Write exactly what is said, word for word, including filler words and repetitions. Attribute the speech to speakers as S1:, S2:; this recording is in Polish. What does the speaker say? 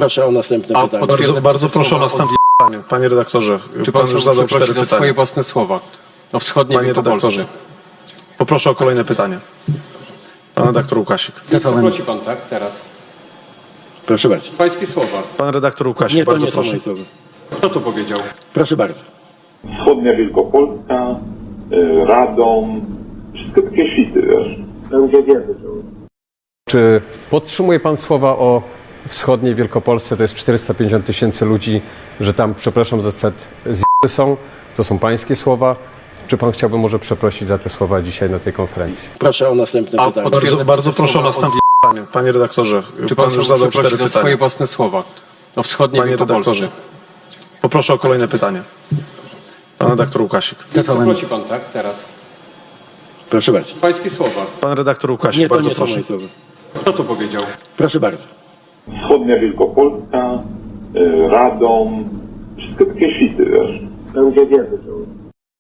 S1: Proszę o następne
S2: A
S1: pytanie.
S2: potwierdza-
S3: Bardzo, bardzo proszę o
S2: słowa
S3: następne pytanie. Panie redaktorze,
S2: Czy
S3: pan
S2: pan
S3: już
S2: chciałby
S3: zadał
S2: przeprosić
S3: cztery
S2: za swoje
S3: pytania.
S2: własne słowa o wschodniej
S3: Panie
S2: Wielkopolsce?
S3: redaktorze, poproszę o kolejne pytanie. Pan redaktor Łukasik.
S2: Przeprosi pan, tak? Teraz.
S1: Proszę bardzo.
S2: Pańskie słowa.
S3: Pan redaktor Łukasik,
S1: Nie, to
S3: bardzo
S1: nie są
S3: proszę.
S1: moje słowa.
S2: Kto to powiedział?
S1: Proszę bardzo.
S4: Wschodnia Wielkopolska, y, Radom, wszystko takie świty, wiesz. Ludzie wiedzą.
S5: Czy podtrzymuje pan słowa o wschodniej Wielkopolsce, to jest czterysta pięćdziesiąt tysięcy ludzi, że tam, przepraszam za cet, z***y są? To są pańskie słowa. Czy pan chciałby może przeprosić za te słowa dzisiaj na tej konferencji?
S1: Proszę o następne
S2: A
S1: pytanie.
S2: potwierdza-
S3: Bardzo, bardzo proszę o następne pytanie. Panie redaktorze,
S2: Czy
S3: pan
S2: pan
S3: już
S2: chciałby
S3: zadał
S2: przeprosić
S3: cztery
S2: za swoje
S3: pytania.
S2: własne słowa o wschodniej
S3: Panie
S2: Wielkopolsce?
S3: redaktorze, poproszę o kolejne pytanie. Pan redaktor Łukasik.
S2: Przeprosi pan, tak? Teraz.
S1: Proszę bardzo.
S2: Pańskie słowa.
S3: Pan redaktor Łukasik,
S1: Nie, to
S3: bardzo
S1: nie są
S3: proszę.
S1: moje słowa.
S2: Kto to powiedział?
S1: Proszę bardzo.
S4: Wschodnia Wielkopolska, y, Radom, wszystko takie świty, wiesz. Ludzie wiedzą.